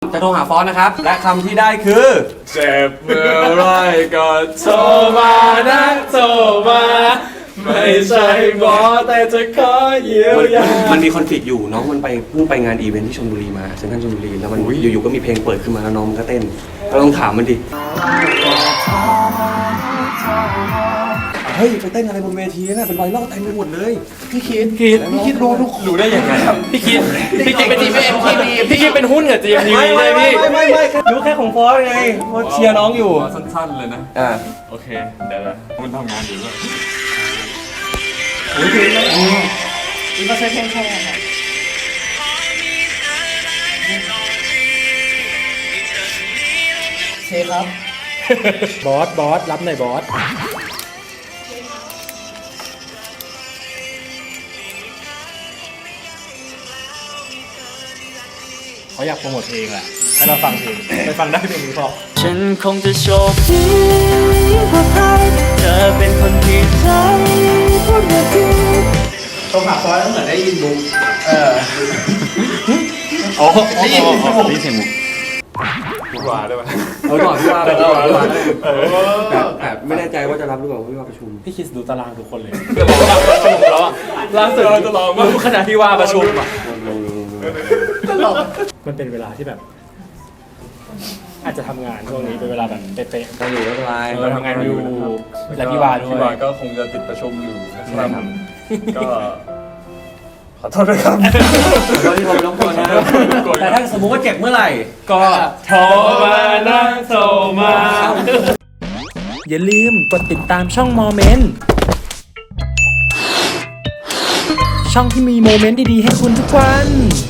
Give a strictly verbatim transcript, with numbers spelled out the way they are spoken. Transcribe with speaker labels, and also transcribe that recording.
Speaker 1: จะโทรหาฟอสนะครับและคำที่ได้คือเจ็บเมื่อไรก็โทรมานะโทรมาไม่ใช่หมอแต่จะขอเยียวยามันมีคอนฟ lict อยู่น้องมันไปเพิ่งไปงานอีเวนท์ที่ชลบุรีมาเซ็นทรัลชลบุรีแล้วมันอยู่ๆก็มีเพลงเปิดขึ้นมาแล้วน้องมันก็เต้นเราลองถามมันดิเฮ้ยไปเต้นอะไรบนเวทีน่ะเป็นไวรัลเต็มไปหมดเลยพี่คิดคิดพี่คิดรู้ทุกรู้ได้ยังไงพี่คิดพี่คิดเป็นทีมเอ็มทีวีพี่คิดเป็นหุ้นกับจีเอ็มทีวีเลยพี่ไม่ไม่ไม่รู้แค่ของฟอสไงฟอสเชียร์น้องอยู่
Speaker 2: สั้นๆเลยนะ
Speaker 1: อ่า
Speaker 2: โอเคเดี๋ยวมันทำงานอยู่ด้วย
Speaker 1: โอ้ยเพลงแล้ว
Speaker 3: นี่ก็ใช้เพลงแค่ค่ะเชฟครับ
Speaker 4: บอสบอสรับหน่อยบอสเขาอยากโปรโมทเพลงแหละให้เราฟังเพลงไปฟังได้เพลงนี้พอ
Speaker 5: ฉันคงจะโชคดีเพราะใครเธอเป็นคนที่ใจพูดมาดี
Speaker 3: โทรหาฟอยแล้วเหมือนได้ยินบุ๊กเออ
Speaker 2: อ๋อได้ยินได้ยินเสียงบุ๊กพี่วาได้ป่ะ
Speaker 1: เออก่อนพี่วาไปก่อนพี่วาแต่แต่ไม่แน่ใจว่าจะรับหรือเปล่าพี่วาประชุม
Speaker 4: พี่คิดดูตารางทุกคนเลย
Speaker 2: จะบอกว่าประชุมแล้วอ่ะล่าสุดจะลองว่า
Speaker 4: ขณะที่ว่าประชุมอ่ะ
Speaker 3: มั
Speaker 4: นเป็นเวลาที่แบบ อาจจะทำงานช่วงนี้เป็นเวลาแบบเป๊ะๆ
Speaker 1: เราอยู่ไม่เป็นไร
Speaker 4: เราทำงานอยู่และพี่วาด้วย
Speaker 2: พี่วาก็คงจะติดประชุมอยู่นะครับก็ขอโทษด้วยครับ
Speaker 1: ขอโทษที่ผมรบกวนนะแต่ถ้าสมมุติว่าเจ็บเมื่อไหร่
Speaker 4: ก็โทรมานะโทรมาอย่าลืมกดติดตามช่องโมเมนต์ช่องที่มีโมเมนต์ดีๆให้คุณทุกวัน